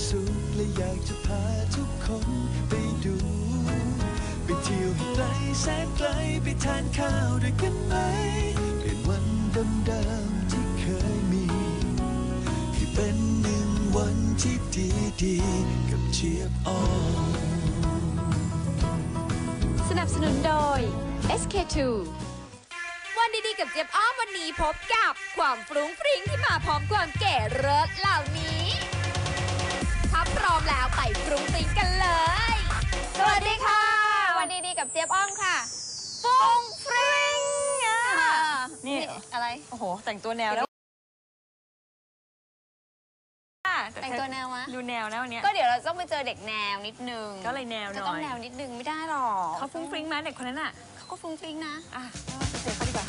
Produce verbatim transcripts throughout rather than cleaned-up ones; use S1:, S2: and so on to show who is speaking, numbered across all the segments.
S1: สุขและอยากจะพาทุกคนไปดูไปเที่ยวให้ไกลแสนไกลไปทานข้าวด้วยกันไหมเปลี่ยนวันเดิมๆที่เคยมีให้เป็นหนึ่งวันที่ดีๆกับเจี๊ยบอ้อม
S2: สนับสนุนโดย เอส เค ทู
S3: วันดีๆกับเจี๊ยบอ้อมวันนี้พบกับความฟรุ้งฟริ้งที่มาพร้อมความเก๋เลิศเหล่านี้ถ้าพร้อมแล้วไปฟรุ้งฟริ้งกันเลยสวัสดีค่ะวันดีๆกับเจี๊ยบอ้อมค่ะฟรุ้งฟริ้ง
S2: นี่
S3: อะไร
S2: โอ้โหแต่งตัวแนวแล้ว
S3: แต่งตัวแนวมะ
S2: ดูแนวนะวันนี้
S3: ก็เดี๋ยวเราต้องไปเจอเด็กแนวนิดนึง
S2: ก็เลยแนวหน่อย
S3: ก็ต้องแนวนิดนึงไม่ได้หรอก
S2: เขาฟรุ้งฟริ้งไหมเด็กคนนั้นอ่ะ
S3: เขาก็ฟรุ้งฟริ้งนะ
S2: อ่ะเจอเขาดีกว่า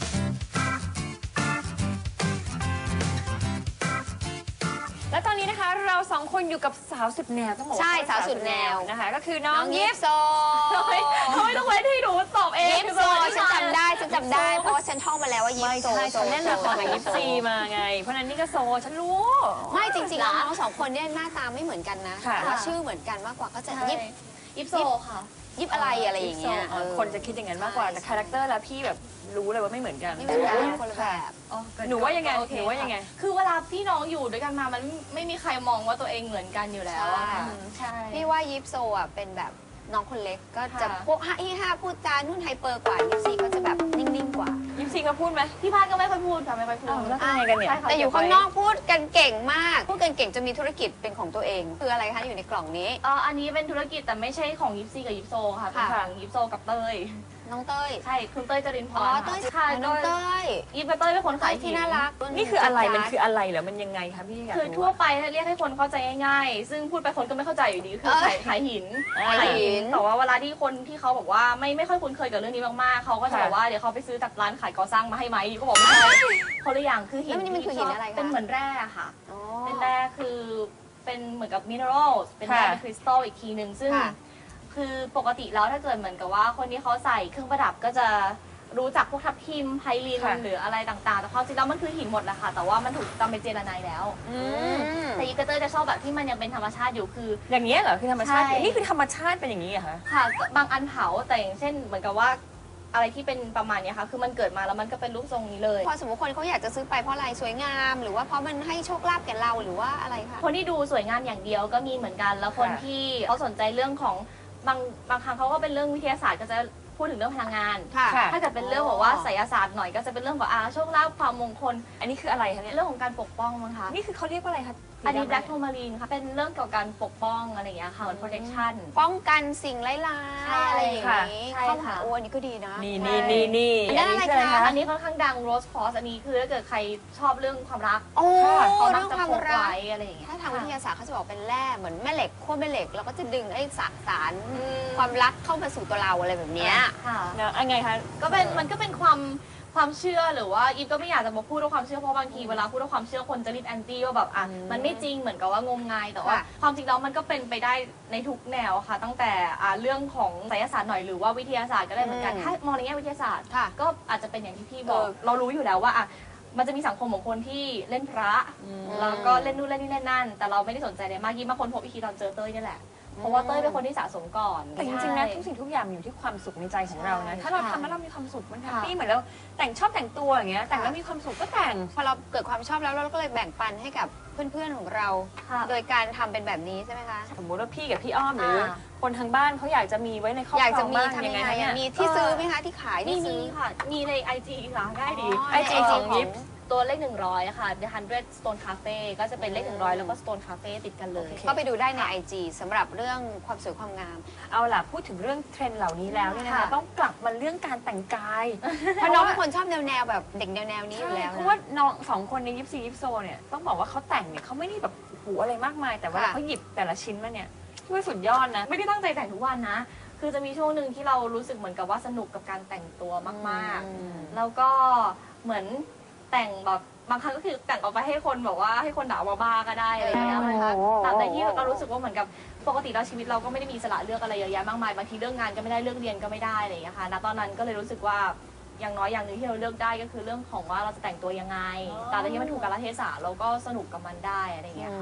S2: และตอนนี้นะคะเราสองคนอยู่กับสาวสุดแนวต้องบอกว่า
S3: ใช่สาวสุดแนว
S2: นะคะก็คือน้องยิปโซ
S3: ทำไม
S2: ทำไมต้องเว้นให้หนูตอบเอง
S3: ยิปโซฉันจำได้ฉันจำได้เพราะว่าฉันท่องมาแล้วว่ายิปโซ
S2: ฉันเล่นละครกับยิปซีมาไงเพราะนั้นนี่ก็โซฉันรู้
S3: ไม่จริงๆแล้วน้องสองคนเนี่ยหน้าตาไม่เหมือนกันนะแต่ว่าชื่อเหมือนกันมากกว่าก็จะยิป
S4: ยิปโซค่ะ
S3: ยิปอะไรอะไรอย่างเงี้ย
S2: คนจะคิดอย่างนั้นมากกว่าแต่คาแรคเตอร์แล้วพี่แบบรู้เลยว่าไม่เหมือนกัน
S3: ไม่เหมือนกันคนละแบบ
S2: หนูว่ายังไงหนูว่ายังไง
S4: คือเวลาพี่น้องอยู่ด้วยกันมามันไม่มีใครมองว่าตัวเองเหมือนกันอยู่แล้ว
S3: ใช่พี่ว่ายิปโซอ่ะเป็นแบบน้องคนเล็กก็จะพวกห้าอีห้าพูดจานุ่นไฮเปอร์กว่ายิปซีก็จะแบบนิ่งๆกว่า
S2: ยิปซีก็พูดไหม
S4: พี่พาดก็ไม่ค่อยพูดค่ะไม่ค่อยพูด
S2: แล้วทำไงกันเนี่ย
S3: แต่อยู่ข้างนอกพูดกันเก่งมากพูดกันเก่งจะมีธุรกิจเป็นของตัวเองคืออะไรคะอยู่ในกล่องนี้
S4: อ๋ออันนี้เป็นธุรกิจแต่ไม่ใช่ของยิปซีกับยิปโซค่ะเป็นของยิปโซกับเต้ย
S3: น้องเต้ย
S4: ใช่คุณเต้ยจรินพร
S3: อ๋อเต้ยค่ะน้องเต้ย
S4: ยิปกับเต้ยเป็นคนขาย
S3: ที่น่ารัก
S2: นี่คืออะไรมันคืออะไรเหรอมันยังไงคะพี่
S4: คือทั่วไปเรียกให้คนเข้าใจง่ายๆซึ่งพูดไปคนก็ไม่เข้าใจอยู่ดีคือขายขายหิน
S3: ขายหิน
S4: แต่ว่าเวลาที่คนที่เขาบอกว่าไม่ไม่ค่อยคุ้นเคยกับเรื่องนี้มากๆเขาก็จะบอกว่าเดี๋ยวเขาไปซื้อจากร้านขายก่อสร้างมาให้ไหมก็บอกไม่ใช่คนละอย่างคือหิน
S3: นี่มันคือหินอะไรคะ
S4: เป็นเหมือนแร่ค่ะเป็นแร่คือเป็นเหมือนกับมินเนอรัลเป็นแร่เป็นคริสตัลอีกทีหนึ่งซึ่งคือปกติแล้วถ้าเกิดเหมือนกับว่าคนที่เขาใส่เครื่องประดับก็จะรู้จักพวกทับทิมไพลินหรืออะไรต่างๆแต่ความจริงแล้วมันคือหินหมดแหละค่ะแต่ว่ามันถูกจำเป็นเจลาไนแล้วแต่ยิปเตอร์จะชอบแบบที่มันยังเป็นธรรมชาติอยู่คือ
S2: อย่างนี้เหรอคือธรรมชาตินี่คือธรรมชาติเป็นอย่างนี้เหรอคะ
S4: ค่ะบางอันเผาแต่อย่างเช่นเหมือนกับว่าอะไรที่เป็นประมาณนี้ค่ะคือมันเกิดมาแล้วมันก็เป็นรูปทรงนี้เลย
S3: พอสมมติคนเขาอยากจะซื้อไปเพราะอะไรสวยงามหรือว่าเพราะมันให้โชคลาภแก่เราหรือว่าอะไรคะ
S4: คนที่ดูสวยงามอย่างเดียวก็มีเหมือนกันแล้วคนที่เขาสนใจเรื่องของบางบางครั้งเขาก็เป็นเรื่องวิทยาศาสตร์ก็จะพูดถึงเรื่องพลังงานถ้าเกิดเป็นเรื่องบอกว่าไสยศาสตร์หน่อยก็จะเป็นเรื่องของอาโชคลาภความมงคล
S2: อันนี้คืออะไรคะเนี่ย
S4: เรื่องของการปกป้องมั้งคะ
S2: นี่คือเขาเรียกว่าอะไรคะ
S4: อันนี้ black tourmaline ค่ะเป็นเรื่องเกี่ยวกับการปกป้องอะไรอย่างเงี้ยค่ะเหมือน protection
S3: ป้องกันสิ่งร้ายๆอะไรอย่างนี้เข้าหาโอ้อันนี้ก็ดีนะ
S2: นี่นี่นี่นี่
S3: อันนี้อะไรคะ
S4: อันนี้ค่อนข้างดัง rose quartz อันนี้คือถ้าเกิดใครชอบเรื่องความรัก
S3: โอ้
S4: เขา
S3: เรื่
S4: อง
S3: ความรัก
S4: อะไรอย่างเงี้ย
S3: ถ้าทางวิทยาศาสตร์เขาจะบอกเป็นแร่เหมือนแม่เหล็กขั้วแม่เหล็กแล้วก็จะดึงไอ้สสารความรักเข้ามาสู่ตัวเราอะไรแบบนี้
S4: ค่ะ
S2: ยังไงคะ
S4: ก็เป็นมันก็เป็นความความเชื่อหรือว่าอีฟก็ไม่อยากจะมาพูดว่าความเชื่อเพราะบางทีเวลาพูดว่าความเชื่อคนจะรีบแอนตี้ว่าแบบอ่ะมันไม่จริงเหมือนกับว่างมงายแต่ว่าความจริงแล้วมันก็เป็นไปได้ในทุกแนวค่ะตั้งแต่อ่าเรื่องของไสยศาสตร์หน่อยหรือว่าวิทยาศาสตร์ก็ได้เหมือนกันถ้ามองในแง่วิทยาศาสตร์ก็อาจจะเป็นอย่างที่พี่บอกเรารู้อยู่แล้วว่าอ่ะมันจะมีสังคมของคนที่เล่นพระแล้วก็เล่นนู่นเล่นนี่เล่นนั่นแต่เราไม่ได้สนใจเลยมากยิ่งมาคนพบอีกทีตอนเจอเต้ยนี่แหละเพราะว่าเต้ยเป็นคนที่สะสมก่อน
S2: แต่จริงๆนะทุกสิ่งทุกอย่างอยู่ที่ความสุขในใจของเรานะถ้าเราทำแล้วเรามีความสุขมันแฮปปี้เหมือนเราแต่งชอบแต่งตัวอย่างเงี้ยแต่งแล้วมีความสุขก็แต่ง
S3: พอเราเกิดความชอบแล้วเราก็เลยแบ่งปันให้กับเพื่อนๆของเราโดยการทำเป็นแบบนี้ใช่ไหมคะ
S2: สมมติว่าพี่กับพี่อ้อมหรือคนทางบ้านเขาอยากจะมีไว้ในครอบครัวบ้างยังไงเนี่ย
S3: มีที่ซื้อไหมคะที่ขายที่ซื้อ
S4: ค่ะมีใน ไอ จี ค่ะง่ายดี
S3: ไอ จี
S4: ของยิปตัวเลขหนึ่งร้อยค่ะ The Hundred Stone Cafe ก็จะเป็นเลขหนึ่งร้อยแล้วก็ Stone Cafe ติดกันเลย
S3: ก็ไปดูได้ใน ไอ จี สำหรับเรื่องความสวยความงาม
S2: เอาล่ะพูดถึงเรื่องเทรนด์เหล่านี้แล้วเนี่ยนะคะต้องกลับมาเรื่องการแต่งกาย
S3: เพราะน้องเป็นคนชอบแนวๆแบบเด็กแนวๆนี้อยู่แล้ว
S2: เพราะว่าน้องสองคนในยิปซียิปโซเนี่ยต้องบอกว่าเขาแต่งเนี่ยเขาไม่ได้แบบหูอะไรมากมายแต่ว่าเขาหยิบแต่ละชิ้นมาเนี่ยที่สุดยอดนะ
S4: ไม่ได้ตั้งใจแต่งทุกวันนะคือจะมีช่วงหนึ่งที่เรารู้สึกเหมือนกับว่าสนุกกับการแต่งตัวมากๆแล้วก็เหมือนแต่งแบบบางครั้งก็คือแต่งออกไปให้คนบอกว่าให้คนด่าว่าบ้าก็ได้อะไรอย่างเงี้ยนะคะแต่ในที่เรารู้สึกว่าเหมือนกับปกติแล้วชีวิตเราก็ไม่ได้มีอิสระเลือกอะไรเยอะแยะมากมายบางทีเรื่องงานก็ไม่ได้เรื่องเรียนก็ไม่ได้อะไรอย่างเงี้ยค่ะณตอนนั้นก็เลยรู้สึกว่าอย่างน้อยอย่างหนึ่งที่เราเลือกได้ก็คือเรื่องของว่าเราจะแต่งตัวยังไงแต่ในที่มันถูกกาลเทศะเราก็สนุกกับมันได้อะไรอย่างเงี้ยค่ะ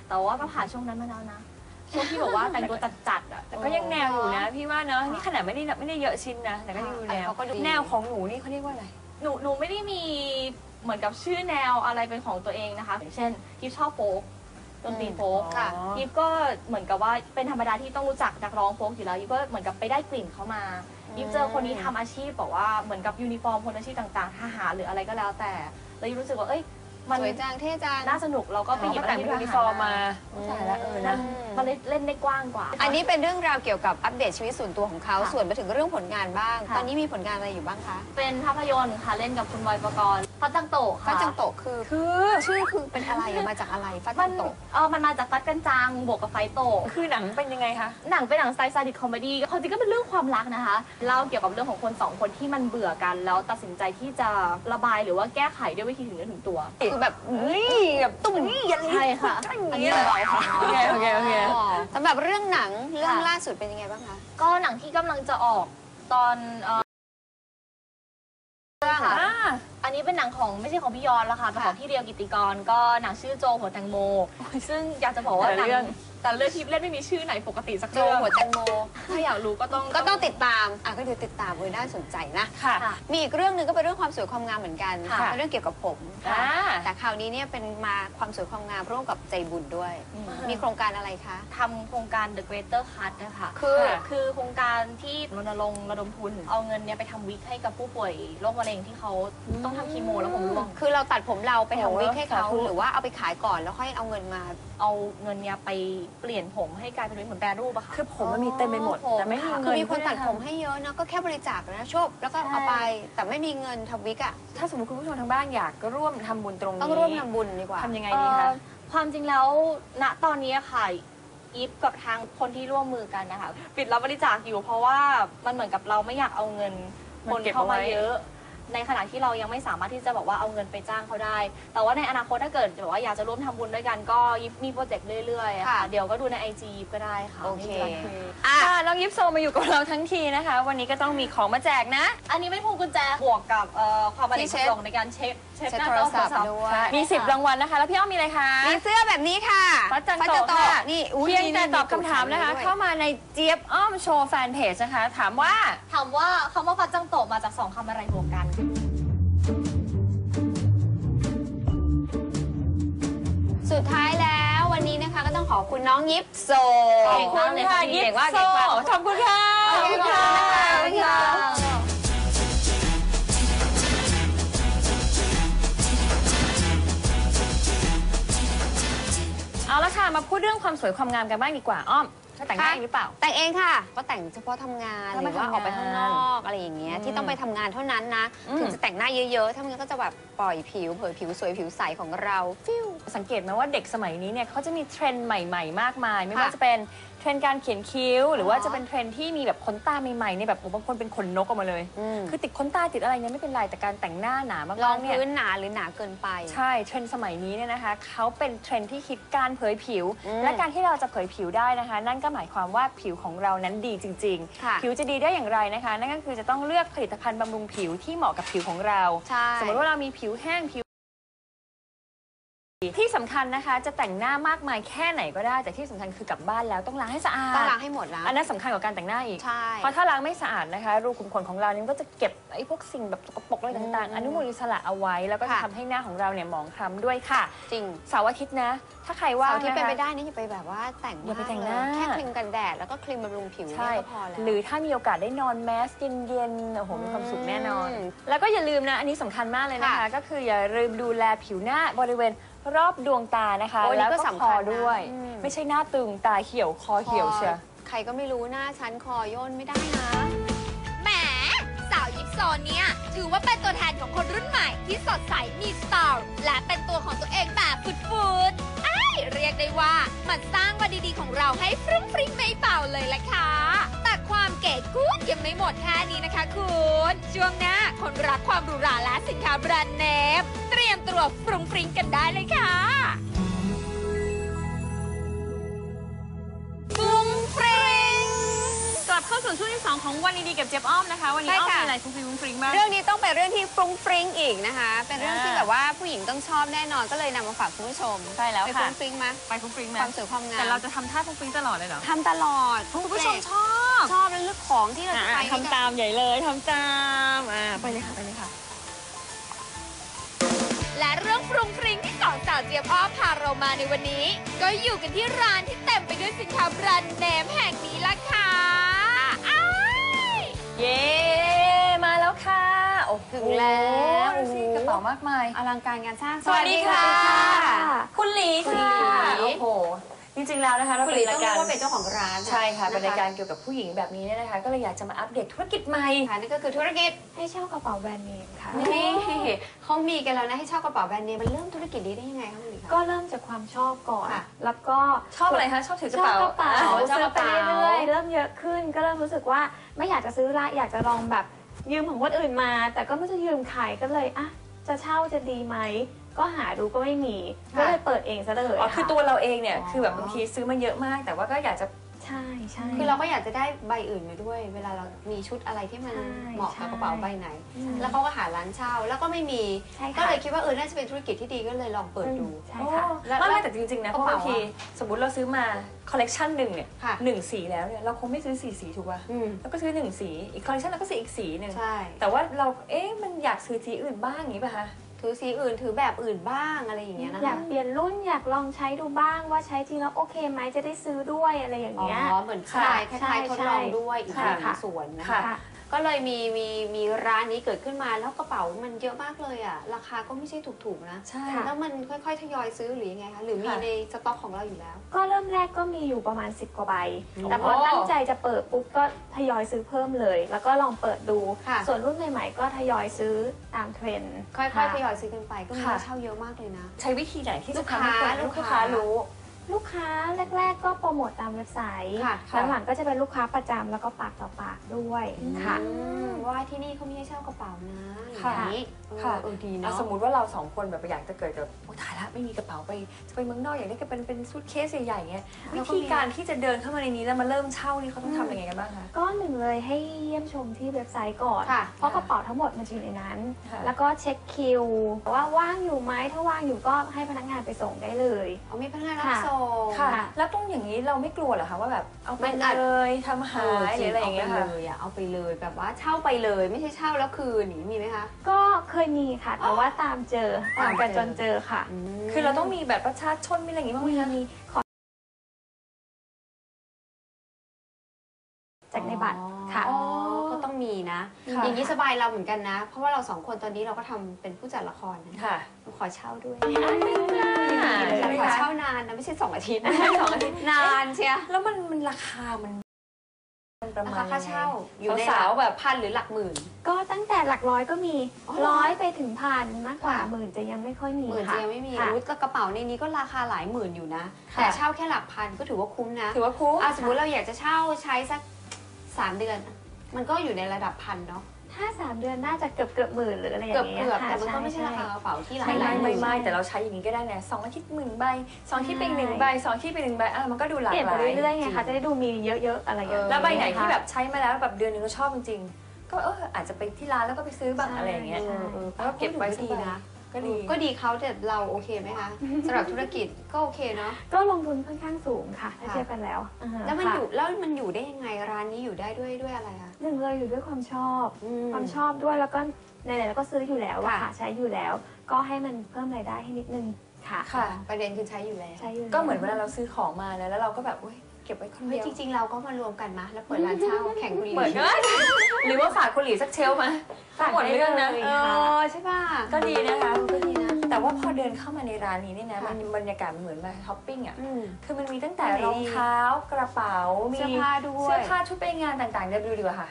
S4: แต่ว่าก็ผ่านช่วงนั้นมาแล้วนะช่วงที่บอกว่าแต่งตัวจัดๆอ่ะ
S2: แต่ก็ยังแนวอยู่นะพี่ว่าเนาะนี่ขนาดไม่ได้ไม่ได้เยอะชิ้นนะแต่ก็ยังดูแนว
S3: เขาก็ดู
S2: แนวของหนูนี่เขาเรียกว่าอะไร
S4: หนูหนูไม่ได้มีเหมือนกับชื่อแนวอะไรเป็นของตัวเองนะคะอย่างเช่นยิปชอบโฟกดนตรีโฟก
S2: ค่ะ
S4: ยิปก็เหมือนกับว่าเป็นธรรมดาที่ต้องรู้จักนักร้องโฟกอยู่แล้วยิปก็เหมือนกับไปได้กลิ่นเขามายิปเจอคนนี้ทำอาชีพบอกว่าเหมือนกับยูนิฟอร์มคนอาชีพต่างๆทหารหรืออะไรก็แล้วแต่เลยยิปรู้สึกว่าเอ้ยมัน
S3: สวยจังเท่จัง
S4: น่าสนุกเราก็ไปหยิบ
S2: แต่งเป็นยูนิฟอร์มมาใช่แล้วเออนะ
S4: มันเลยเล่นได้กว้างกว่า
S3: อันนี้เป็นเรื่องราวเกี่ยวกับอัปเดตชีวิตส่วนตัวของเขา
S4: ค่ะ
S3: ส่วนไปถึงเรื่องผลงานบ้าง
S4: ค่ะ
S3: ตอนนี้มีผลงานอะไรอยู่บ้างคะ
S4: เป็นภาพยนตร์ค่ะเล่นกับคุณบอยปกรณ์ฟัดจังโตะค่ะ
S3: ฟัดจังโตะคือ
S2: คือ
S3: ชื่อคือเป็นอะไรมาจากอะไรฟัด
S4: มั
S3: จั
S4: น
S3: งโตะ
S4: เออมันมาจากฟัดกันจังบวกกับไฟโตะ
S2: คือหนังเป็นยังไงคะ
S4: หนังเป็นหนังสไตล์ซาดิสคอมเมดี้ความจริงก็เป็นเรื่องความรักนะคะเล่าเกี่ยวกับเรื่องของคนสองคนที่มันเบื่อกัน แล้วตัดสินใจที่จะระบายหรือว่าแก้ไขด้วยวิธีถึงเนื้อถึงตัว
S3: คือแบบเฮ้ยแบบตุ้มนี่ยัน
S4: ใช่ค่ะ
S2: อันนี้เลยค่ะโอเคโอเคโอเค
S3: สำหรับเรื่องหนังเรื่องล่าสุดเป็นยังไงบ้างคะ
S4: ก็หนังที่กำลังจะออกตอนเอ่อค่ะ
S2: อ่า
S4: อันนี้เป็นหนังของไม่ใช่ของพี่ยอนแล้วค่ะเป็นของพี่เรียวกิตติกรก็หนังชื่อโจหัวแตงโม ซึ่งอยากจะบอกว่าหนังแต่เรื่องที่เล่นไม่มีชื่อไหนปกติสัก
S3: โจ
S4: เรื่อง
S3: หัวแตงโม
S4: ถ้าอยากรู้ก็ต้อง
S3: ก็ต้องติดตามอ่ะก็เดี๋ยวติดตามเลยน่าสนใจนะ
S2: ค่ะ
S4: ค่ะ
S3: มีอีกเรื่องหนึ่งก็เป็นเรื่องความสวยความงามเหมือนกัน
S4: ค่ะ
S3: เป็นเรื่องเกี่ยวกับผม
S2: อ่า
S3: แต่คราวนี้เนี่ยเป็นมาความสวยความงามร่วมกับใจบุญด้วย มีโครงการอะไรคะ
S4: ทำโครงการ The Greater Cut นะคะ
S3: คือ
S4: คือโครงการที่รณรงค์ระดมทุน เอาเงินเนี่ยไปทำวิกให้กับผู้ป่วยโรคมะเร็งที่เขาต้องทำคีโมแล้วผมร่วง
S3: คือเราตัดผมเราไป
S2: โอ้
S3: ทำวิกให้เขา
S2: สาธุ
S3: หรือว่าเอาไปขายก่อนแล้วค่อยเอาเงินมา
S4: เอาเงินเนี่ยไปเปลี่ยนผมให้กลายเป็นวิกเหมือนแปรรูปอะค่ะ
S2: คือผมมันมีเต็มไปหมด
S4: อ๋อ
S2: แต่ไม่มี
S3: คื
S2: เงิ
S3: อน มีคนตัดผมให้เยอะนะก็แค่บริจาคนะชบแล้วก็เอาไปแต่ไม่มีเงินทำวิกอ่ะ
S2: ถ้าสมมติคุณผู้ชมทางบ้านอยากร่วมทำบุญตรงนี้
S3: ต้องร่วมทำบุญดีกว่า
S2: ทำยังไง
S4: เอ่
S2: ดี
S4: อ
S2: คะ
S4: ความจริงแล้วณตอนนี้ค่ะอีฟกับทางคนที่ร่วมมือกันนะคะปิดรับบริจาคอยู่ เพราะว่ามันเหมือนกับเราไม่อยากเอาเงินคนเข้ามาเยอะ ในขณะที่เรายังไม่สามารถที่จะบอกว่าเอาเงินไปจ้างเขาได้ แต่ว่าในอนาคตถ้าเกิดแบบว่าอยากจะร่วมทำบุญด้วยกันก็ยิปมีโปรเจกต์เรื่อยๆอะค่ะ
S3: ค่ะ
S4: เดี๋ยวก็ดูในไอจีก็ได้ค่ะ
S3: โอเค
S4: ไม่มีปัญหา
S3: อ่ะ
S2: ค่ะน้องยิปโซมาอยู่กับเราทั้งทีนะคะ วันนี้ก็ต้องมีของมาแจกนะ
S4: อันนี้เป็นพวงกุญแจบวกกับเอ่อความบัน
S3: ที่
S4: เทิ
S3: เช็ด
S4: งในการเช็คเช็ค
S3: เช็ด
S4: หน้า
S3: โท
S4: จ
S3: ร
S4: อ
S3: ศัพท์
S4: โทรศัพท์
S3: ด้วย
S2: มีสิบรางวัลนะคะ แล้วพี่อ้อมมีอะไรคะ
S3: มีเสื้อแบบนี้ค่ะ
S2: ฟัดจัง
S3: ฟัด
S2: โตะค่ะ
S3: นี่อุ๊
S2: เพียงแต่
S3: นี่
S2: ตอบคำถามนะคะ
S3: ด้วย
S2: เข้ามาในเจี๊ยบอ้อมโชว์แฟนเพจนะคะ ถามว่า
S4: ถามว่าคำว่าฟัดจังโตะมาจากสองคำอะไรบวกกัน
S3: สุดท้ายแล้ววันนี้นะคะก็ต้องขอบคุณน้องยิปโซ
S2: ขอบคุณค่ะยิ
S3: เก่
S2: ป
S3: งมาก
S2: โซ
S3: เก่งมาก
S2: ขอบคุณค่ะ
S3: ขอบคุณค่ะ
S2: ขอบคุณค่ะเอาละค่ะ มาพูดเรื่องความสวยความงามกันบ้างดีกว่าอ้อมเธอแต่งหน้าเองหรือเปล่า
S3: แต่งเองค่ะ ก็แต่งเฉพาะทำงาน
S2: ก็
S3: ห
S2: ไป
S3: รือว่า
S2: ทำงาน
S3: ออกไปข้างนอกอะไรอย่างเงี้ย
S2: อืม
S3: ที่ต้องไปทำงานเท่านั้นนะ
S2: อืม
S3: ถึงจะแต่งหน้าเยอะๆ ถ้าไมันก็จะแบบปล่อยผิวเผยผิวสวยผิวใสของเราฟิว
S2: สังเกตไหมว่าเด็กสมัยนี้เนี่ยเขาจะมีเทรนด์ใหม่ๆ มากมาย ไม่
S3: ค่ะ
S2: ว่าจะเป็นเทรนด์การเขียนคิ้ว หรือว่า
S3: อ๋อ
S2: จะเป็นเทรนด์ที่มีแบบขนตาใหม่ๆเนี่ยแบบโอ้บางคนเป็นขนนกออกมาเลย
S3: อืม
S2: คือติดขนตาติดอะไรเนี่ยไม่เป็นไรแต่การแต่งหน้าหนามาร
S3: อก ง
S2: ๆเนี่ย
S3: พื้นหนาหรือหนาเกินไป
S2: ใช่เทรนด์สมัยนี้เนี่ยนะคะเขาเป็นเทรนด์ที่คิดการเผยผิว
S3: อืม
S2: และการที่เราจะเผยผิวได้นะคะ นั่นก็หมายความว่าผิวของเรานั้นดีจริง
S3: ค่ะ
S2: ๆ ผิวจะดีได้อย่างไรนะคะ นั่นก็คือจะต้องเลือกผลิตภัณฑ์บำรุงผิวที่เหมาะกับผิวของเรา
S3: ใช่
S2: สมมติว่าเรามีผิวแห้งผิวที่สำคัญนะคะ จะแต่งหน้ามากมายแค่ไหนก็ได้ แต่ที่สำคัญคือกลับบ้านแล้วต้องล้างให้สะอาด
S3: ต้องล้างให้หมดแล้ว
S2: อันนั้นสำคัญกว่าการแต่งหน้าอีก
S3: ใช่
S2: เพราะถ้าล้างไม่สะอาดนะคะ รูขุมขนของเรานี่ก็จะเก็บไอ้พวกสิ่งแบบสกปรกอะไรต่าง
S3: อืม
S2: ๆ อนุมูลอิสระเอาไว้ แล้วก็จะ
S3: ค่ะ
S2: ทำให้หน้าของเราเนี่ยหมองคล้ำด้วยค่ะ
S3: จริง
S2: เสาร์อาทิตย์นะ ถ้าใครว่า
S3: เสาง ร์ที่เป็น
S2: นะคะ
S3: ไปได้นี่อย่าไปแบบว่าแต่ง
S2: อย่าไป
S3: มก
S2: แต่งห
S3: เล
S2: น้า
S3: แค่ครีมกันแดดแล้วก็ครีมบำรุงผิว
S2: ใช่
S3: เนี่ยก็พอแล้ว
S2: หรือถ้ามีโอกาสได้นอนแมสเย็นๆโอ้โหมีความสุขแน่นอน
S3: อืม
S2: แล้วก็อย่าลืมนะ อันนี้สำคัญมากเลยนะคะ
S3: ค่ะ
S2: ก็คืออย่าลืมดูแลผิวหน้าบริเวณรอบดวงตานะคะ
S3: โอ้ยนี่
S2: แล้ว
S3: ก็
S2: ก็
S3: สำ
S2: ค
S3: คั
S2: อ
S3: ญนะ
S2: ด้วย
S3: อืม
S2: ไม่ใช่หน้าตึงตาเขียวคอเขียวเชียว
S3: ใครก็ไม่รู้หน้าชั้นคอย่นไม่ได้นะ
S5: แหมสาวยิปโซเนี่ย ถือว่าเป็นตัวแทนของคนรุ่นใหม่ที่สดใสมีสไตล์และเป็นตัวของตัวเองแบบฟุดๆไอ้ยเรียกได้ว่ามันสร้างวันดีๆของเราให้ฟรุ้งฟริ้งไม่เบาเลยล่ะค่ะ แต่ความเก๋กู๊ดยังไม่หมดแค่นี้นะคะคุณ ช่วงหน้าคนรักความหรูหราและสินค้าแบรนด์เนมเตรียมตัวฟรุ้งฟริ้งกันได้เลยค่ะฟรุ้งฟริ้ง
S2: กลับเข้าสู่ช่วงที่ที่สองของวันดีๆกับเจี๊ยบอ้อมนะคะวันนี้อ้อมมีอะไรฟุ้งฟิ้งฟุ้งฟริ้งมาก
S6: เรื่องนี้ต้องเป็นเรื่องที่ฟรุ้งฟริ้งอีกนะคะ เป็นเรื่อง
S2: อ่า
S6: ที่แบบว่าผู้หญิงต้องชอบแน่นอนก็เลยนำมาฝากคุณผู้ชม
S2: ใช่แล้ว
S6: ไป
S2: ค่ะ
S6: ฟรุ้งฟริ้งมา
S2: ไปฟุ้งฟริ้งไหม
S6: ความสวยความงาม
S2: แต่เราจะทำท่าฟุ้งฟริ้งตลอดเลยเหรอ
S6: ทำตลอด
S2: คุณผู้ชมชอบ
S6: ชอบแล้วเลือกของที่เราจะไป
S2: อ่ะทำตามใหญ่เลยทำตามอ่าไปเลยค่ะไปเลยค่ะ
S3: และเรื่องฟรุงฟริงที่สองสาวเจี๊ยบอ้อมพาเรามาในวันนี้ ก็อยู่กันที่ร้านที่เต็มไปด้วยสินค้าแบรนด์เนมแห่งนี้ล่ะค่ะอ้าย
S2: เย้มาแล้วค่ะโอ้โห
S6: ถึงแล้ว
S2: ดูสิกระเป๋ามากมาย
S6: อลังการงานสร้าง
S2: สวัสดีค่ะ คุณหลี
S6: คุณ
S2: ค่ะ
S6: หลี
S2: โอ้โหจริงๆแล้วนะคะเรา
S6: คุณห
S2: เป็
S6: ลี
S2: น
S6: ต้
S2: รา
S6: อง
S2: ย
S6: เรี
S2: กาย ร
S6: กว่าเป็นเจ้าของร้าน
S2: ใช่ค่ะเป็นรายการ
S6: น
S2: เกี่ยวกับผู้หญิงแบบนี้เนี่ยนะคะ ก็เลยอยากจะมาอัปเดตธุรกิจใหม่
S6: ค่ะนั่นก็คือธุรกิจ
S7: ให้เช่ากระเป๋าแบรนด์เนมค่ะ
S6: นี่เขามีกันแล้วนะให้เช่ากระเป๋าแบรนด์เนมมันเริ่มธุรกิจนี้ได้ยังไงคะคุณหลีคะ
S7: ก็เริ่มจากความชอบก่อน
S6: ค่ะ
S7: แล้วก็
S2: ชอบอะไรคะชอบถือก
S7: ช
S2: ระ
S7: อบ
S2: เป๋าก
S7: ระเป๋า
S2: อ๋อชอบ
S7: ซื้
S2: ก
S7: อ
S2: ระ
S7: ไป
S2: เป๋า
S7: เรื่อยๆเริ่มเยอะขึ้น ก็เริ่มรู้สึกว่าไม่อยากจะซื้อละอยากจะลองแบบยืมของคนอื่นมา แต่ก็ไม่รู้จะยืมใครก็เลยอ่ะจะเช่าจะดีไหมก็หาดูก็ไม่มี ก็เลยเปิดเองซะเลย
S2: อ๋อคือตัวเราเองเนี่ย
S6: อ๋อ
S2: คือแบบบางทีซื้อมาเยอะมาก แต่ว่าก็อยากจะ
S7: ใช่ใช่
S6: คือเราก็อยากจะได้ใบอื่นมาด้วย เวลาเรามีชุดอะไรที่มัน
S7: ใช่
S6: เหมาะกับกระเป๋าใบไหน
S7: ใช่
S6: แล้วเขาก็หาร้านเช่า แล้วก็ไม่มี
S7: ใช่
S6: ก็
S7: ค่ะ
S6: เลยคิดว่าเออน่าจะเป็นธุรกิจที่ดีก็เลยลองเปิดดู
S7: ใช่ค่ะ
S6: แล้ว
S2: ไม่
S6: แล้
S2: ไม่
S6: ว
S2: แต่จริงๆนะ
S6: ก
S2: เพ
S6: ระ
S2: ราะ
S6: เป๋า
S2: บางทีสมมติเราซื้อมาคอลเลกชันหนึ่งเนี่ย
S6: ค่ะ
S2: หนึ่งสีแล้วเนี่ยเราคงไม่ซื้อสี่สีถูกป่ะ
S6: อืม
S2: แล้วก็ซื้อหนึ่งสีอีกคอลเลกชันเราก็ซื้ออีกสีหนึ่ง
S6: ใช่
S2: แต่ว่าเราเอ๊ะมันอยากซื้อสีอื่นบ้างอย่างนี้ป่ะคะ
S6: ถือสีอื่นถือแบบอื่นบ้างอะไรอย่างเงี้ยนะ
S7: อยา
S6: คะ
S7: กเปลี่ยนรุ่นอยากลองใช้ดูบ้างว่าใช้จริงแล้วโอเคไหมจะได้ซื้อด้วยอะไรอย่าง
S6: อ๋อ
S7: เงี้ย
S6: เหมือนคลายค
S7: ใช่
S6: ล้ายๆทดลองด้วยอีกห
S7: ค่ะ
S6: นึ่งส่วนนะ
S2: ค่ะ
S6: คะ ก็เลยมีมีมีร้านนี้เกิดขึ้นมาแล้วกระเป๋ามันเยอะมากเลยอ่ะราคาก็ไม่ใช่ถูกๆนะ
S2: ใช่
S6: แล้วมันค่อยๆทยอยซื้อหรือยังไงคะหรือมี
S2: ค่ะ
S6: ในสต็อกของเราอยู่แล้ว
S7: ก็เริ่มแรกก็มีอยู่ประมาณสิบกว่าใบ
S6: อืม
S7: แต่พอตั้งใจจะเปิดปุ๊บก็ทยอยซื้อเพิ่มเลย แล้วก็ลองเปิดดู
S6: ค่ะ
S7: ส่วนรุ่นใหม่ๆก็ทยอยซื้อตามเทรนด์
S6: ค่อย
S7: ค่ะ
S6: ๆทยอยซื้อกันไปก็มี
S2: ค่ะ
S6: เช่าเยอะมากเลยนะ
S2: ใช้วิธีไหนที่
S6: ลู
S2: จะ
S6: ก
S2: ทำให้คน
S6: ค้า
S2: ลู
S6: ลู
S2: ก
S6: กค้า
S2: ค้ารู้
S7: ลูกค้าแรก ๆ ก็โปรโมทตามเว็บไซต์
S6: ค่ะ
S7: หลังๆก็จะเป็นลูกค้าประจำแล้วก็ปากต่อปากด้วยค่ะ
S6: อืมว่าที่นี่เขามีให้เช่ากระเป๋านะอย่าง
S2: ค่ะ
S6: นี้เออ
S2: ค่ะ
S6: เออดี
S2: อ่ะ
S6: เนาะ
S2: สมมุติว่าเราสองคนแบบอยากจะเกิดกับโอ้ตายละไม่มีกระเป๋าไปจะไปเมืองนอกอยากได้ก็เป็นเป็นซูทเคสใหญ่ๆเงี้ยวิธีการที่จะเดินเข้ามาในนี้แล้วมาเริ่มเช่านี่เขาต้องทำยังไงกันบ้างคะ
S7: ก็หนึ่งเลยให้เยี่ยมชมที่เว็บไซต์ก่อน
S6: ค่ะ
S7: เพราะกระเป๋าทั้งหมดมันจะอยู่ในนั้น
S2: ค่ะ
S7: แล้วก็เช็คคิวว่าว่างอยู่ไหมถ้าว่างอยู่ก็ให้พนักงานไปส่งได้เลย
S6: เอามีพนักงานรับ
S7: ค่ะ
S6: ส่ง
S2: ค่ะ
S7: ค่ะ
S2: แล้วตรงอย่างนี้เราไม่กลัวเหรอคะว่าแบบเอาไป
S6: มันอาจ
S2: เลยทำหายหรืออะไรอย่างเงี้ย
S6: เอา
S2: ค่ะ
S6: ไปเลยอะเอาไปเลยแบบว่าเช่าไปเลย ไม่ใช่เช่าแล้วคืนอย่างนี้มีไหมคะ
S7: ก็เคยมีค่ะ แต่ว่าตามเจอตามกันจนเจอค่ะ
S6: ม
S2: คือเราต้องมีแบบประชาชนมีอะไรอย่างงี้บ้างไหม
S7: มี
S2: คะ
S7: มีขอจากในบัตรค่ะ
S6: อ๋อก็ต้องมีนะ
S2: ค่ะ
S6: อย่างนี้สบายเราเหมือนกันนะ เพราะว่าเราสองคนตอนนี้เราก็ทำเป็นผู้จัดละครนะ
S2: ค่ะ
S6: ขอเช่าด้วย
S2: ใช่ไหม
S6: ขอ
S2: คะ
S6: เช่านานนะไม่ใช่สองอาทิตย์
S2: ไม่ใช่สองอาทิตย์
S6: นานเชีย
S2: แล้วมันมันราคามันมันประ
S6: รา
S2: มา
S6: คา
S2: ณ
S6: ค่าเช่าอยู่ใน
S2: สาวๆแบบ
S6: พันหรือหลักหมื่น
S7: ก็ตั้งแต่หลักร้อยก็มี
S6: อ๋อ
S7: ร้อยไปถึงพันมากกว่า
S6: ค่ะ
S7: หมื่นจะยังไม่ค่อยมี
S6: หมื่น
S7: ค่ะ
S6: จะยังไม่มี
S7: ค่ะ
S6: อุ๊ยกระเป๋าในนี้ก็ราคาหลายหมื่นอยู่นะ
S2: ค่ะ
S6: แต่เช่าแค่หลักพันก็ถือว่าคุ้มนะ
S2: ถือว่าคุ้ม
S6: อ่ะสมมติเราอยากจะเช่าใช้สักสามเดือน มันก็อยู่ในระดับพันเนาะ
S7: ถ้าสามเดือนน่าจะเกือบเกือบหมื่นหรืออะไรอย่า
S6: เกือบ
S7: งเงี้ย
S6: เกือบ
S7: ค่ะ
S6: แต่มันก็ไม่ใช่
S7: ใช่
S6: ราคากระเป๋าที่หลาย
S2: ไม่
S6: หลายห
S2: ไม่
S6: มื่น
S2: ไม่แต่เราใช้อย่างนี้ก็ได้นะสองอาทิตย์หมื่นใบสองอาทิตย์เป็นหนึ่งใบสองอาทิตย์เป็นหนึ่งใบอ่ะมันก็ดูหลาก
S7: เปลี่ยน
S2: ห
S7: ไป
S2: ลาย
S7: เรื่อยๆไงคะจะได้ดูมีเยอะๆอะไรอย่างเงี้ย
S2: แล้วใบไหนที่แบบใช้มาแล้วแบบเดือนหนึงเราชอบจริงๆก็เอออาจจะไปที่ร้านแล้วก็ไปซื้อบ้าง
S7: ใช่
S2: อะไรอย่างเงี้ย
S6: เออเออ
S2: แล้วก็เก็บไว้
S6: ก็ดีนะ
S2: ก็ดี
S6: ก็ดีเขาแต่เราโอเคไหมคะสำหรับธุรกิจก็โอเคเนาะ
S7: ก็ลงทุนค่อนข้างสูงค่ะถ้า
S6: ค่ะ
S7: เทียบกันแล้วาฮะ
S6: แล้วมัน
S7: ค่ะ
S6: อยู่แล้วมันอยู่ได้ยังไงร้านนี้อยู่ได้ด้วยด้วยอะไรคะ
S7: หนึ่งเลยอยู่ด้วยความชอบ
S6: อืม
S7: ความชอบด้วยแล้วก็ไหนๆเราก็ซื้ออยู่แล้วอะ
S6: ค่ะ
S7: ค่ะใช้อยู่แล้ว ก็ให้มันเพิ่มรายได้ให้นิดนึงค่ะ
S2: ค่ะ
S6: ประเด็นคือใช้อยู่แล้ว
S7: ใช้อยู่แล้ว
S2: ก็เหมือนเวลาเราซื้อของมาแล้วแล้วเราก็แบบอุ้ยเก็บไว้คน
S6: เฮ้
S2: เดี
S6: ย
S2: ยว
S6: จริงๆเราก็มารวมกันมาแล้วเปิดร้านเช่าแข่งกุหลี
S2: เปิดก็ได้หรือว่าฝากคุณหลีสักเชลฟ์มา
S7: ฝาก
S2: หมด
S7: ได้
S2: เรื่องนะ
S7: เลย
S6: เอ
S7: ค่ะ
S6: อใช่ป่ะ
S2: ก็ดีนะคะ
S6: ก็ดีนะ
S2: แต่ว่าพอเดินเข้ามาในร้านนี้เนี่ยนะ
S6: ค่ะ
S2: มันบรรยากาศมันเหมือนมาช้อปปิ้งอ่ะ
S6: อืม
S2: คือมันมีตั้งแต่
S6: ไหนดี
S2: รองเท้ากระเป๋า มี
S6: เสื้อผ้าด้วย
S2: เสื้อผ้าชุดไปงานต่างๆเดี๋ยวดูดีกว่าค่ะ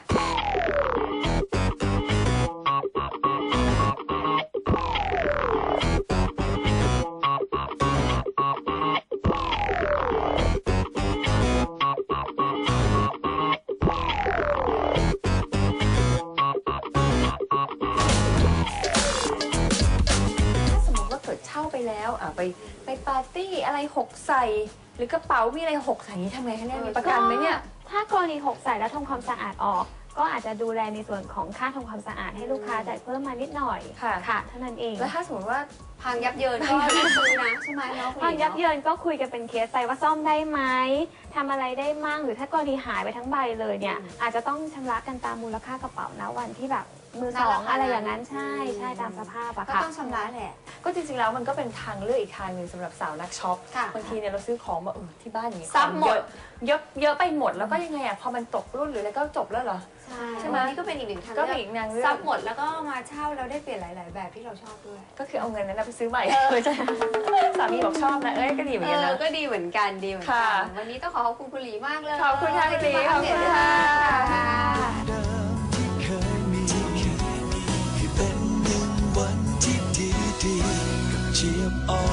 S2: ถ้าสมมติว่าเกิดเช่าไปแล้วอ่ะไปไปปาร์ตี้อะไรหกใส่รือกระเป๋ามีอะไรหกใส่นี้ทำไงคะเนี่ยมีประกันไหมเนี่ย
S7: ถ้ากรณีหกใส่แล้วทำความสะอาดออก ก็อาจจะดูแลในส่วนของค่าทำความสะอาดให้ลูกค้าจ่ายเพิ่มมานิดหน่อย
S2: ค่ะ
S7: ค่ะเท่านั้นเอง
S2: แล้วถ้าสมมติว่า
S6: พังยับเยินก็ไม่ซื้อนะใช่ไหมเนาะ
S7: ความยับเยินก็คุยกันเป็นเคสไปว่าซ่อมได้ไหมทำอะไรได้มั่งหรือถ้ากรณีหายไปทั้งใบเลยเนี่ยอาจจะต้องชำระกันตามมูลค่ากระเป๋านะวันที่แบบมือสองอะไรอย่างนั้นใช่ใช่ตามสภาพอะ
S6: ก็
S7: ค่ะ
S6: ต้องชำระแหละ
S2: ก็จริงๆแล้วมันก็เป็นทางเลือกอีกทางหนึ่งสำหรับสาวนักช็อป
S6: ค่ะ
S2: บางทีเนี่ยเราซื้อของมาเออที่บ้านอย่างนี้
S6: ซับหมด
S2: เยอะเยอะไปหมดแล้วก็ยังไงอ่ะพอมันตกรุ่นหรืออะไรก็จบแล้วเหรอ
S6: ใช่
S2: ใช่ไหม
S6: นี่ก็เป็นอีกหนึ่งทาง
S2: ก็
S6: เลื
S2: มี
S6: อก
S2: อีกนางเลือก
S6: ซับหมดแล้วก็มาเช่าแล้วได้เปลี่ยนหลาย ๆ แบบที่เราชอบด้วย
S2: ก็คือเอาเงินนั้นนะไปซื้อใหม่เลยจ้ะสามีบอกชอบนะเอ้ยก็ดีเหมือน
S6: เอ
S2: กัน
S6: อ
S2: นะ
S6: ก็ดีเหมือนกันดีเหมือนกั
S2: ค่ะ
S6: นวันนี้ต้องขอขอบคุณคุณหลีมากเลย
S2: ขอบคุณค่ะคุณหลี
S6: ที่มาอัปเดต
S2: ขอบคุณค่ะ
S6: ค่ะ
S1: เดิมที่เคยมีให้เป็นหนึ่งวันที่ดีดีๆกับเจี๊ยบอ่อน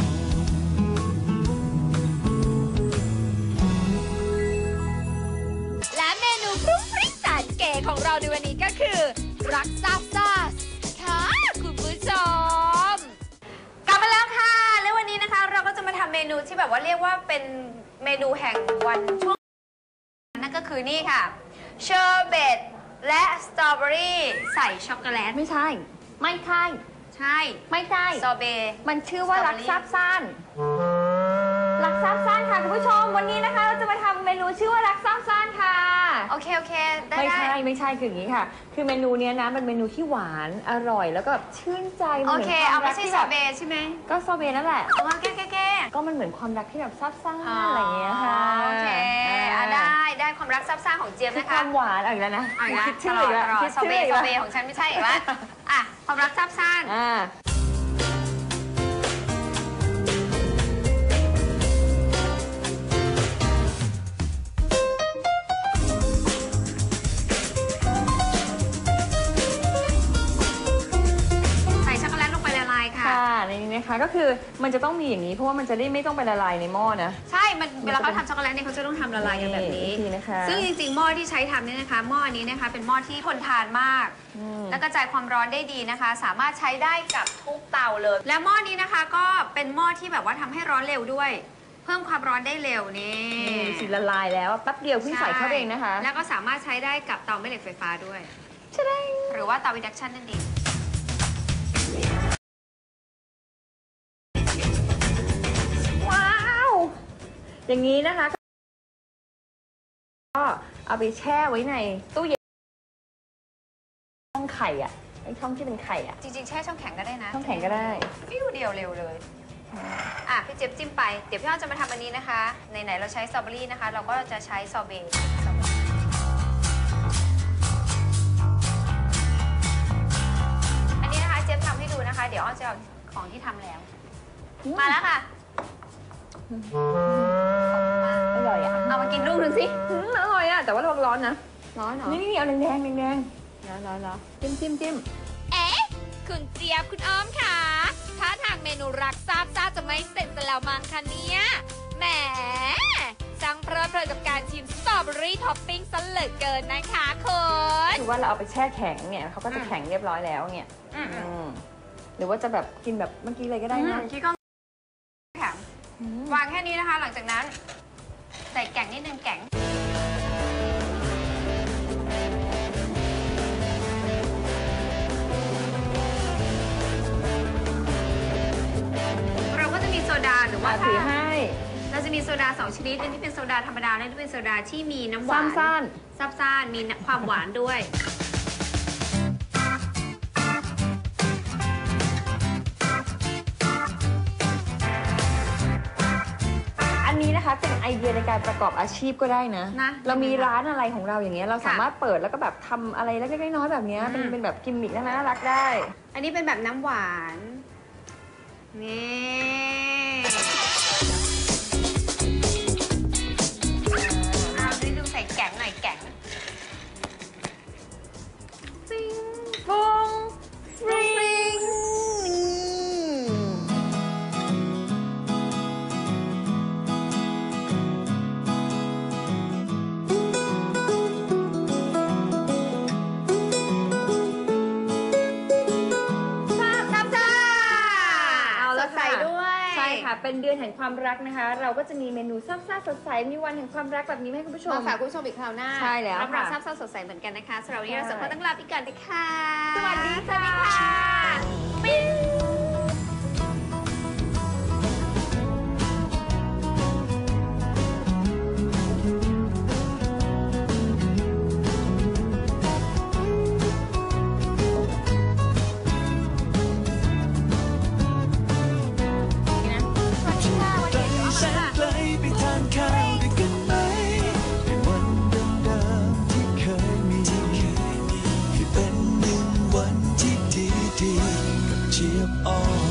S3: และเมนูฟรุ้งฟริ้งแสนเก๋ของเราในวันนี้ก็คือ รักซาบซ่าค่ะคุณผู้ชม
S6: กลับมาแล้วค่ะ แล้ววันนี้นะคะเราก็จะมาทำเมนูที่แบบว่าเรียกว่าเป็นเมนูแห่งวันช่วงนั่นก็คือนี่ค่ะเชอร์เบตและสตรอเบอรี่ใส่ช็อกโกแลต
S2: ไม่ใช่ ไม่ใช่
S6: ใช่
S2: ไม่ใช่
S6: ซอเบต์
S2: มันชื่อว่ารักซาบซ่านรักซาบซ่านค่ะคุณผู้ชมวันนี้นะคะเราจะมาทำเมนูชื่อว่ารักซาบซ่านค่ะ
S6: โอเค โอเค ได้
S2: ไม่
S6: ได้
S2: ใช่ไม่ใช่คืออย่างนี้ค่ะ คือเมนูเนี้ยนะเป็นเมนูที่หวานอร่อยแล้วก็แบบชื่นใจมัน
S6: โอ
S2: เหมือน
S6: เค
S2: ควา
S6: เอา
S2: ม
S6: ไม่
S2: รัก
S6: ใช่
S2: ที่
S6: ซ
S2: แบ
S6: อบ เบต์ใช่ไหม
S2: ก็ซอเบต์นั่นแหละ
S6: เอาแก้แก้แก้
S2: ก็มันเหมือนความรักที่แบบซาบซ่า
S6: อ๋อ
S2: อะไรอย่างเงี้ยค่ะ
S6: โอเคอ่ะได้ได้ความรักซับซ้อนของเจี๊ยบ
S2: คือ
S6: นะ
S2: ค
S6: คะ
S2: วามหวานอะไรแล้วนะ
S6: อ่ะนะ
S2: คิด
S6: ต
S2: ชื่อ
S6: ลอ
S2: อี
S6: ด
S2: กแล้ว
S6: ตลอด
S2: คิด
S6: ซอ
S2: ชื่
S6: เบ
S2: อ
S6: ต์
S2: อีก
S6: ซอ
S2: แล้ว
S6: เบต์ของฉันไม่ใช่อีกแล้วอ่ะความรักซับซ้อน
S2: อ่า
S6: ใส่ช็อกโกแลตลงไปละลายค่ะ
S2: ค่ะในนี้นะคะก็คือมันจะต้องมีอย่างนี้เพราะว่ามันจะได้ไม่ต้องไปละลายในหม้อนะ
S6: ใช่ มันเวลาเขาทำช็อกโกแลตเนี่ยเขาจะต้องทำละลายกันแบบนี้
S2: วิธีนะคะ
S6: ซึ่งจริงๆ หม้อที่ใช้ทำเนี่ยนะคะ หม้ออันนี้นะคะ เป็นหม้อที่ทนทานมาก
S2: อืม
S6: และกระจายความร้อนได้ดีนะคะ สามารถใช้ได้กับทุกเตาเลย และหม้อนี้นะคะก็เป็นหม้อที่แบบว่าทำให้ร้อนเร็วด้วย เพิ่มความร้อนได้เร็วนี่
S2: นี่สิละลายแล้วแป๊บเดียวเพิ่งใส่เข้าไปเองนะคะ
S6: แล้วก็สามารถใช้ได้กับเตาแม่เหล็กไฟฟ้าด้วย หรือว่าเตาอินดักชันนั่นเอง
S2: ว้าวอย่างนี้นะคะก็เอาไปแช่ไว้ในตู้เย็นช่องไข่อ่ะไอ้ช่องที่เป็นไข่อ่ะ
S6: จริงๆ แช่ช่องแข็งก็ได้นะ
S2: ช่องแข็งก็ได้
S6: ฟิวเดียวเร็วเลย อ่ะพี่เจี๊ยบจิ้มไป เดี๋ยวพี่อ้อมจะมาทำอันนี้นะคะ ไหนๆเราใช้สตรอเบอรี่นะคะ เราก็จะใช้ซอเบต์สตรอเบอรี่อันนี้นะคะเจี๊ยบทำให้ดูนะคะ เดี๋ยวอ้อมจะเอาของที่ทำแล้ว มาแล้วค่ะ
S2: อร่อยอ่ะ
S6: เอามากินลูกหนึ่งสิ
S2: อืมอร่อยอ่ะแต่ว่าระวังร้อนนะ
S6: ร้อนเหรอ
S2: นี่นี่เอาแดงแดงแดงแดง
S6: ร้อนร้อนร้อน
S2: จิ้มจิ้มจิ้ม
S3: เอ๊ะ คุณเจี๊ยบคุณอ้อมค่ะถ้าทางเมนูรักซาบซ่าจะไม่เสร็จซะแล้วมั้งคะเนี่ยแหมจังเพลิดเพลินกับการชิมสตรอเบอรี่ท็อปปิ้งซะเหลือเกินนะคะคุณ
S2: คือว่าเราเอาไปแช่แข็งเนี่ยเขาก็จะแข็งเรียบร้อยแล้วเนี่ย
S6: อืม
S2: อืมหรือว่าจะแบบกินแบบเมื่อกี้เลยก็ได้นะ
S6: คิดก็แข็งวางแค่นี้นะคะ หลังจากนั้น ใส่แกงนิดนึงแกง เราก็จะมีโซดาหรือว่า
S2: มา
S6: ถ้า
S2: ถือให้
S6: เราจะมีโซดาสองชนิดอันที่เป็นโซดาธรรมดาและอันที่เป็นโซดาที่มีน้ำหวาน
S2: สั้น
S6: ซับซ่านมีความหวานด้วย
S2: อันนี้นะคะเป็นไอเดียในการประกอบอาชีพก็ได้นะ
S6: นะ
S2: เรามีร้านอะไรของเราอย่างเงี้ยเราสามารถเปิดแล้วก็แบบทำอะไรเล็กๆน้อยๆแบบเนี้ย
S6: อืม
S2: เป็นเป็นแบบกิมมิคน่ารักได้
S6: อันนี้เป็นแบบน้ำหวาน นี่เอาดิดูใส่แกงหน่อยแกง
S2: ฟงฟริงเอาละ
S6: สดใส
S2: ค่ะ
S6: ด้วย
S2: ใช่ค่ะเป็นเดือนแห่งความรักนะคะ เราก็จะมีเมนูซ่าๆสดใสมีวันแห่งความรักแบบนี้ให้คุณผู้ชม
S6: มาฝากคุณผู้ชมอีกคราวหน้า
S2: ใช่แล้ว
S6: รับรับ
S2: ค่ะ
S6: ทราบเศร้าสดใสเหมือนกันนะคะสำหรับวันนี้เราสองคนต้องลาไปก่อนนะคะ
S2: สวัสดี
S6: สวัสดีค่ะปิ๊ง
S1: ไกลแสนไกลไปทานข้าวด้วยกันไหมเป็นวันเดิมๆที่เคยมีคือเป็นหนึ่งวันที่ดีๆกับเจี๊ยบออน